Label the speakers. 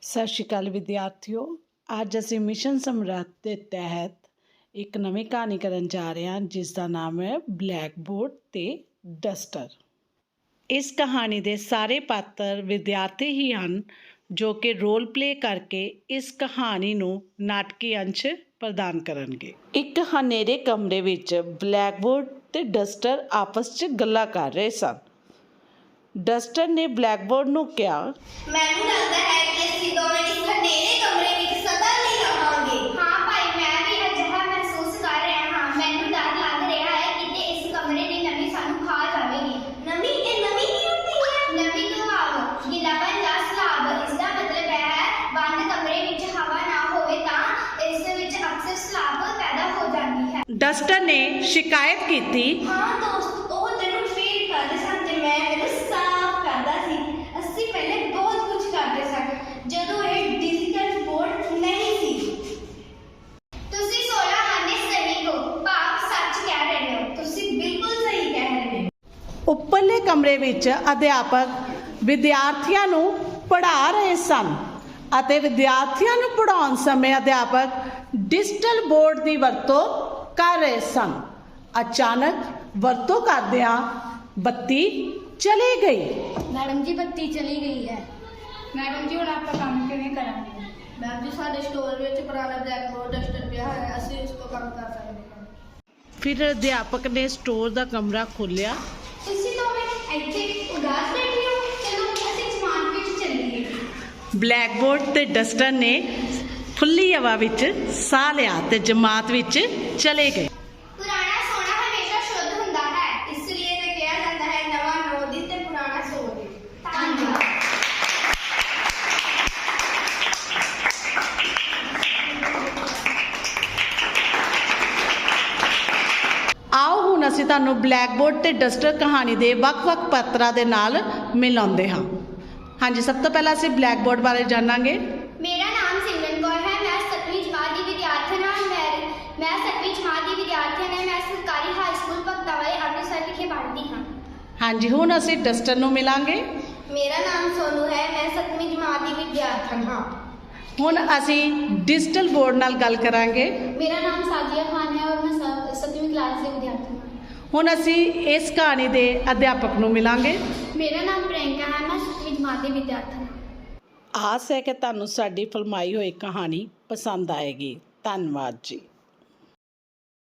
Speaker 1: ਸਤਿ ਸ਼੍ਰੀ ਅਕਾਲ ਵਿਦਿਆਰਥੀਓ। ਅੱਜ ਅਸੀਂ ਮਿਸ਼ਨ ਸਮਰੱਥ ਦੇ ਤਹਿਤ ਇੱਕ ਨਵੀਂ ਕਹਾਣੀ ਕਰਨ ਜਾ ਰਹੇ ਹਾਂ ਜਿਸ ਦਾ ਨਾਮ ਹੈ ਬਲੈਕ ਬੋਰਡ ਤੇ ਡਸਟਰ। ਇਸ ਕਹਾਣੀ ਦੇ ਸਾਰੇ ਪਾਤਰ ਵਿਦਿਆਰਥੀ ਹੀ ਹਨ ਜੋ ਕਿ ਰੋਲ ਪਲੇ ਕਰਕੇ ਇਸ ਕਹਾਣੀ ਨੂੰ ਨਾਟਕੀ ਅੰਸ਼ ਪ੍ਰਦਾਨ ਕਰਨਗੇ। ਇੱਕ ਹਨੇਰੇ ਕਮਰੇ ਵਿੱਚ ਬਲੈਕ ਬੋਰਡ ਤੇ ਡਸਟਰ ਆਪਸ 'ਚ ਗੱਲਾਂ ਕਰ ਰਹੇ ਸਨ। ਡਸਟਰ ਨੇ ਬਲੈਕ ਬੋਰਡ ਨੂੰ ਕਿਹਾ,
Speaker 2: ਮੈਨੂੰ ਲੱਗਦਾ ਹੈ ਕਿ ਅਸੀਂ ਦੋਵੇਂ ਇਸ ਹਨੇਰੇ ਕਮਰੇ ਵਿੱਚ ਸਦਾ ਲਈ ਰਹਾਂਗੇ। ਹਾਂ ਭਾਈ, ਮੈਂ ਵੀ ਅਜਿਹਾ ਮਹਿਸੂਸ ਕਰ ਰਿਹਾ ਹਾਂ। ਮੈਨੂੰ ਡਰ ਲੱਗ ਰਿਹਾ ਹੈ ਕਿ ਇਸ ਕਮਰੇ ਦੀ ਨਮੀ ਸਾਨੂੰ ਖਾ ਜਾਵੇਗੀ। ਨਮੀ? ਇਹ ਨਮੀ ਕੀ ਹੁੰਦੀ ਹੈ? ਨਮੀ ਤੋਂ ਭਾਵ ਗਿੱਲਾਪਨ ਜਾਂ ਸਲਾਬ। ਇਸ ਦਾ ਮਤਲਬ ਹੈ ਬੰਦ ਕਮਰੇ ਵਿੱਚ ਹਵਾ ਨਾ ਹੋਵੇ ਤਾਂ ਇਸ ਵਿੱਚ ਅਕਸਰ ਸਲਾਬ ਪੈਦਾ ਹੋ ਜਾਂਦੀ ਹੈ।
Speaker 1: ਡਸਟਰ ਨੇ ਸ਼ਿਕਾਇਤ ਕੀਤੀ।
Speaker 2: ਹਾਂ ਦੋਸਤ, ਉਹ ਤੈਨੂੰ ਫੀਲ ਕਰਦੇ ਸਨ ਤੇ ਮੈਂ ਮੈਨੂੰ ਸਾਫ਼ ਕਰਦਾ ਸੀ। ਅਸੀਂ ਪਹਿਲੇ ਬਹੁਤ ਕੁਝ ਕਰਦੇ ਸਨ ਜਦੋਂ ਇਹ ਡਿਜੀਟਲ ਬੋਰਡ ਨਹੀਂ ਸੀ। ਤੁਸੀਂ 16 ਆਨੇ ਸਹੀ ਹੋ, ਭਾਵ ਸੱਚ ਕਹਿ ਰਹੇ ਹੋ। ਤੁਸੀਂ ਬਿਲਕੁਲ ਸਹੀ ਕਹਿ ਰਹੇ ਹੋ।
Speaker 1: ਉੱਪਰਲੇ ਕਮਰੇ ਵਿੱਚ ਅਧਿਆਪਕ ਵਿਦਿਆਰਥੀਆਂ ਨੂੰ ਪੜ੍ਹਾ ਰਹੇ ਸਨ ਅਤੇ ਵਿਦਿਆਰਥੀਆਂ ਨੂੰ ਪੜ੍ਹਾਉਣ ਸਮੇਂ ਅਧਿਆਪਕ ਡਿਜੀਟਲ ਬੋਰਡ ਦੀ ਵਰਤੋਂ ਕਰ ਰਹੇ ਸਨ। ਅਚਾਨਕ ਵਰਤੋਂ ਕਰਦਿਆਂ ਬੱਤੀ ਚਲੀ ਗਈ।
Speaker 2: ਮੈਡਮ ਜੀ, ਬੱਤੀ ਚਲੀ ਗਈ ਹੈ।
Speaker 3: ਮੈਡਮ ਜੀ, ਹੁਣ ਆਪਾਂ ਕੰਮ ਕਿਵੇਂ ਕਰਾਂਗੇ?
Speaker 2: ਮੈਮ ਜੀ, ਸਾਡੇ ਸਟੋਰ ਵਿੱਚ ਪੁਰਾਣਾ ਬਲੈਕ ਬੋਰਡ ਡਸਟਰ ਪਿਆ ਹੈ। ਅਸੀਂ ਇਸ ਤੋਂ ਕੰਮ ਕਰ ਸਕਦੇ ਹਾਂ।
Speaker 1: ਫਿਰ ਅਧਿਆਪਕ ਨੇ ਸਟੋਰ ਦਾ ਕਮਰਾ ਖੋਲ੍ਹਿਆ।
Speaker 2: ਤੁਸੀਂ ਦੋਵੇਂ ਇੱਥੇ ਉਦਾਸ ਬੈਠੇ ਹੋ। ਚਲੋ ਅਸੀਂ ਸਮਾਨ ਵਿੱਚ ਚੱਲੀਏ।
Speaker 1: ਬਲੈਕ ਬੋਰਡ ਤੇ ਡਸਟਰ ਨੇ ਖੁੱਲ੍ਹੀ ਹਵਾ ਵਿੱਚ ਸਾਹ ਲਿਆ ਤੇ ਜਮਾਤ ਵਿੱਚ ਚਲੇ ਗਏ।
Speaker 2: ਪੁਰਾਣਾ ਸੋਨਾ ਹਮੇਸ਼ਾ ਸ਼ੁੱਧ ਹੁੰਦਾ ਹੈ, ਇਸ ਲਈ ਇਹ ਕਿਹਾ ਜਾਂਦਾ ਹੈ ਨਵਾਂ ਨੋ ਦੀ ਤੇ ਪੁਰਾਣਾ ਸੋ ਦੀ। ਧੰਨਵਾਦ।
Speaker 1: ਆਓ ਹੁਣ ਅਸੀਂ ਤੁਹਾਨੂੰ ਬਲੈਕ ਬੋਰਡ ਤੇ ਡਸਟਰ ਕਹਾਣੀ ਦੇ ਵੱਖ-ਵੱਖ ਪਾਤਰਾਂ ਦੇ ਨਾਲ ਮਿਲਾਉਂਦੇ ਹਾਂ। ਹਾਂਜੀ, ਸਭ ਤੋਂ ਪਹਿਲਾਂ ਅਸੀਂ ਬਲੈਕ ਬੋਰਡ ਬਾਰੇ ਜਾਣਾਂਗੇ।
Speaker 2: ਮੇਰਾ ਨਾਮ ਸਿਮਰਨ ਕੌਰ ਹੈ। ਮੈਂ 7ਵੀਂ ਜਮਾਤ ਦੀ ਵਿਦਿਆਰਥਣ ਹਾਂ। ਮੈਂ 7ਵੀਂ ਜਮਾਤ ਦੀ ਵਿਦਿਆਰਥਣ ਹਾਂ। ਮੈਂ ਸਰਕਾਰੀ ਹਾਈ ਸਕੂਲ ਭਗਤਾ ਵਾਲੇ ਅੰਮ੍ਰਿਤਸਰ ਵਿਖੇ ਪੜ੍ਹਦੀ ਹਾਂ।
Speaker 1: ਹਾਂਜੀ, ਹੁਣ ਅਸੀਂ ਡਸਟਰ ਨੂੰ ਮਿਲਾਂਗੇ।
Speaker 2: ਮੇਰਾ ਨਾਮ ਸੋਨੂ ਹੈ। ਮੈਂ 7ਵੀਂ ਜਮਾਤ ਦੀ ਵਿਦਿਆਰਥਣ ਹਾਂ।
Speaker 1: ਹੁਣ ਅਸੀਂ ਡਿਜੀਟਲ ਬੋਰਡ ਨਾਲ ਗੱਲ ਕਰਾਂਗੇ।
Speaker 2: ਮੇਰਾ ਨਾਮ ਸਾਜੀਆ ਖਾਨ ਹੈ ਔਰ ਮੈਂ 7ਵੀਂ ਕਲਾਸ ਦੀ ਵਿਦਿਆਰਥਣ ਹਾਂ।
Speaker 1: ਹੁਣ ਅਸੀਂ ਇਸ ਕਹਾਣੀ ਦੇ ਅਧਿਆਪਕ ਨੂੰ ਮਿਲਾਂਗੇ।
Speaker 2: ਮੇਰਾ ਨਾਮ ਪ੍ਰਿਯੰਕਾ ਹੈ। ਮੈਂ 7ਵੀਂ ਜਮਾਤ ਦੀ ਵਿਦਿਆਰਥਣ ਹਾਂ।
Speaker 1: ਆਸ ਹੈ ਕਿ ਤੁਹਾਨੂੰ ਸਾਡੀ ਫਿਲਮਾਈ ਹੋਈ ਕਹਾਣੀ ਪਸੰਦ ਆਏਗੀ। ਧੰਨਵਾਦ ਜੀ।